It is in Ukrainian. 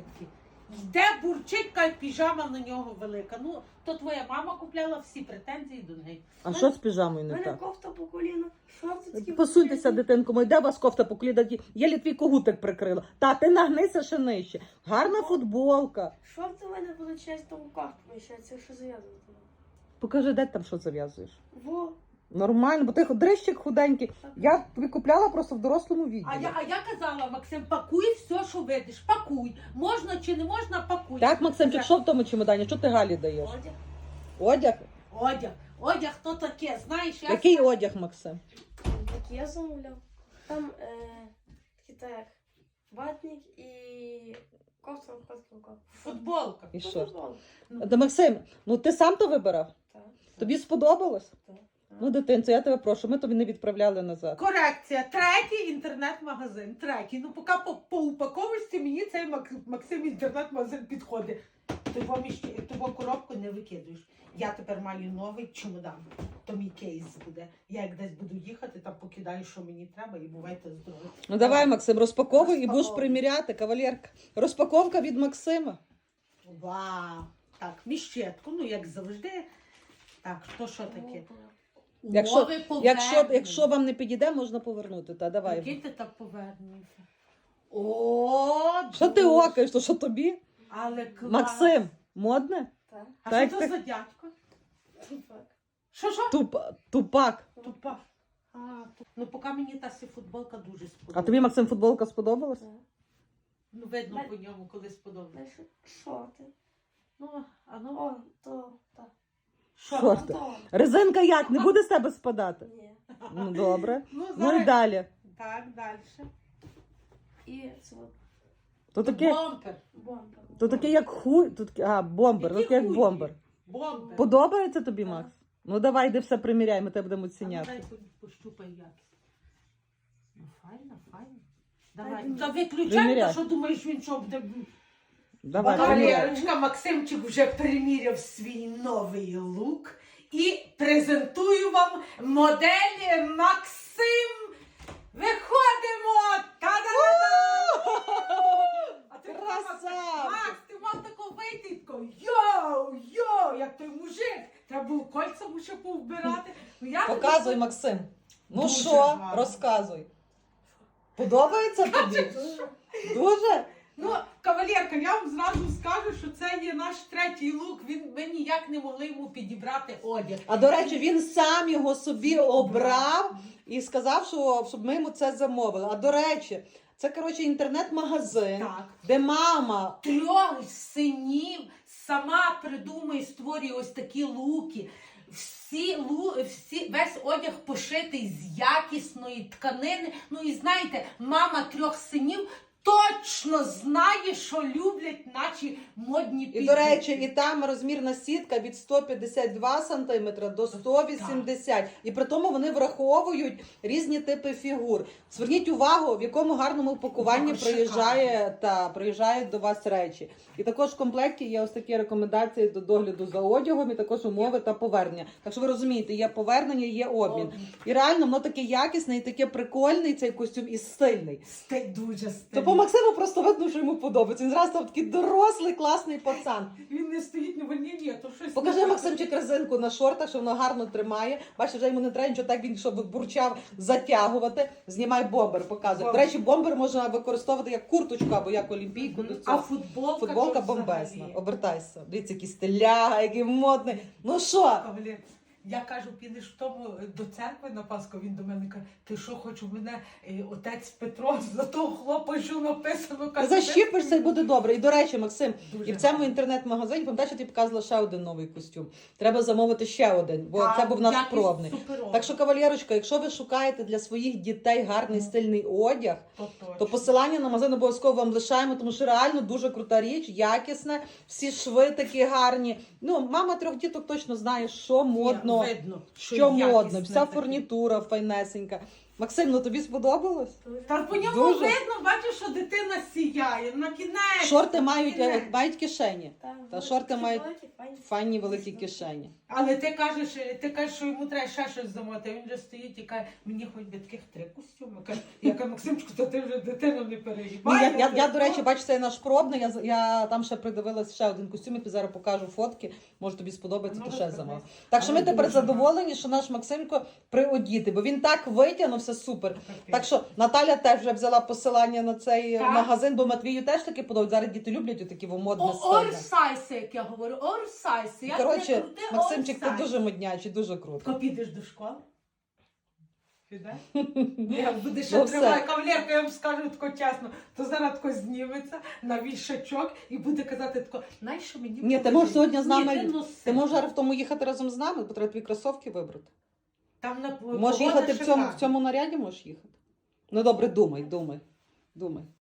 нитки. Йде бурчить, каже, піжама на нього велика. Ну, то твоя мама купляла, всі претензії до неї. А що з піжамою У не мене так? кофта по коліна, шорти такі. Посуньтеся, дитинко, мой, де у вас кофта по коліна? Єлі твій когутик прикрила. Та, ти нагнися ще нижче. Гарна футболка. Шорти у мене величезні в руках поміщаються, якщо зав'язувати. Покажи, де ти там що зав'язуєш. Во. Нормально, бо ти дрищик худенький. Я тобі купляла просто в дорослому відділі. А я казала, Максим, пакуй все, що видиш, пакуй. Можна чи не можна, пакуй. Так, Максимчик, що в тому чемодані? Що ти Галі даєш? Одяг. Одяг? Одяг то таке, знаєш, я... Який одяг, Максим? Такий я замовляв. Там такі так, ватник і кофта в руках. Футболка. І шорт. Так. Та, Максим, ну ти сам то вибирав? Тобі сподобалось? Так. Ну, дитинце, я тебе прошу, ми тобі не відправляли назад. Корекція. Третій інтернет-магазин. Третій. Ну, поки по упаковочці мені цей Максим інтернет-магазин підходить. Ти коробку не викидуєш. Я тепер маю новий чемодан. То мій кейс буде. Я як десь буду їхати, там покидаю, що мені треба, і бувайте здорові. Ну давай, Максим, розпаковуй і будеш Розпаковуй. приміряти, кавалерка. Розпаковка від Максима. Вау! Так, міщетку, ну як завжди. Так, то що таке? Якщо, Умови якщо вам не підійде, можна повернути. Та давай. Який ти так повернувся? О, Що ти дуже. окаєш, то що тобі? Але клас. Максим, модне? Так. А Так, що так. це за дядько? Тупак. Що? Тупак. Тупа. Ну, поки мені та футболка дуже сподобалася. А тобі, Максим, футболка сподобалась? Так. Ну, видно по ньому, коли сподобалося. Далі шорти. Ну, а ну, О, то, так. Шорти. То. Резинка як? Не буде з тебе спадати? Ні. Ну, добре. Ну, Ну і зараз... далі. Так, далі. І це от То таке, Бомбер. бомба. то таке як хуй. Бомбер. То Який таке як хуй? бомбер. Бомбер. Подобається тобі, Так. Макс? Ну давай, йди все приміряй, ми тебе будемо А ну, оціняти. дай пощупай якість. Ну, файно, файно. Давай. Дай Та виключай, приміряй. та що думаєш, він що буде... Давай, приміряй. Кавалерочка, Максимчик вже приміряв свій новий лук. І презентую вам модель Максим. Виходимо! Та-да-да-да! А ти Красавчик! Макс, ти мав таку вийти і тако, йоу, як той мужик. Треба було кольця ще повбирати. Ну, я Показуй, тобі- Максим. Ну Дуже що, гарно. розказуй. Подобається тобі? Дуже? Ну, кавалерка, я вам зразу скажу, що це є наш третій лук. Ми ніяк не могли йому підібрати одяг. А до речі, він сам його собі обрав і сказав, щоб ми йому це замовили. А до речі, це, коротше, інтернет-магазин, Так. де мама. Трьох синів сама придумує, створює ось такі луки. Весь одяг пошитий з якісної тканини. Ну і знаєте, мама трьох синів точно знає, що люблять наші модні І, підлітки. до речі, і там розмірна сітка від 152 см до 180. І при тому вони враховують різні типи фігур. Зверніть увагу, в якому гарному упакуванні Шикарно. приїжджають до вас речі. І також в комплекті є ось такі рекомендації до догляду за одягом, і також умови та повернення. Так що ви розумієте, є повернення, є обмін. І реально, воно таке якісне і таке прикольний цей костюм і стильний. Дуже То стильно. по Максиму просто видно, що йому подобається. Він зразу став такий дорослий, класний пацан. Він не стоїть на вольні, ні, то щось... Покажи, Максимчик, резинку на шортах, що воно гарно тримає. Бачиш, вже йому не треба нічого так, він щоб бурчав затягувати. Знімай бомбер, показує. До речі, бомбер можна використовувати як курточку або як олімпійку. До А цього. футболка то бомбезна. взагалі. Обертайся. Дивіться, який стиляга, який модний. Ну що? Кавалер, я кажу, підеш в тому до церкви на Пасху, він до мене каже, ти що, хочеш у мене отець Петро, за того хлопа, що написано, каже, Защіпишся і буде добре. І до речі, Максим, Дуже і в цьому гарно. інтернет-магазині, пам'ятаєш, я тобі показувала ще один новий костюм. Треба замовити ще один, бо це був наш пробний. Так що, кавалерочка, якщо ви шукаєте для своїх дітей гарний стильний одяг, то посилання на магазин обов'язково вам лишаємо, тому що реально дуже крута річ, якісне, всі шви такі гарні. Ну, мама трьох діток точно знає, що модно, Видно, що модно, якісне вся таке. фурнітура файнесенька. Максим, ну тобі сподобалось? Та по ньому Дуже. видно, бачиш, що дитина сіяє. На кінець. Шорти на мають, кінець. мають кишені. Та шорти мають файні. файні великі кишені. Але ти кажеш, що йому треба ще щось замовити. Він же стоїть і каже, мені хоч би таких 3 костюми. Я кажу, Максимчику, то ти вже дитину не Ну, перегибай. я, до речі, бачу, це наш пробний. Я там ще придивилась ще один костюм, я тобі зараз покажу фотки. Може тобі сподобається, Ну, то ще розкажи. замов. Так що ми Але тепер дуже задоволені, що наш Максимко приодіти, бо він так витягнувся супер. Так що Наталя теж вже взяла посилання на цей Так. магазин, бо Матвію теж таки подобається. Зараз діти люблять отакі модне стильне. Орсайси, як я говорю, орсайси. Як Коротше, не крути, Максимчик, ти орсайси. дуже моднячий, дуже круто. Ко підеш до школи? Підеш? Я буду ще Ну, все. триває кавалерка, я вам скажу тако чесно, то зараз тако зніметься на вішачок і буде казати тако, знаєш, що мені Ні, ти покажи?» можеш сьогодні з нами. Ні, носи. Ти можеш зараз в тому їхати разом з нами, бо треба твої кросовки вибрати. Там на Можеш погода їхати в шикарна. цьому наряді, можеш їхати. Ну добре, думай.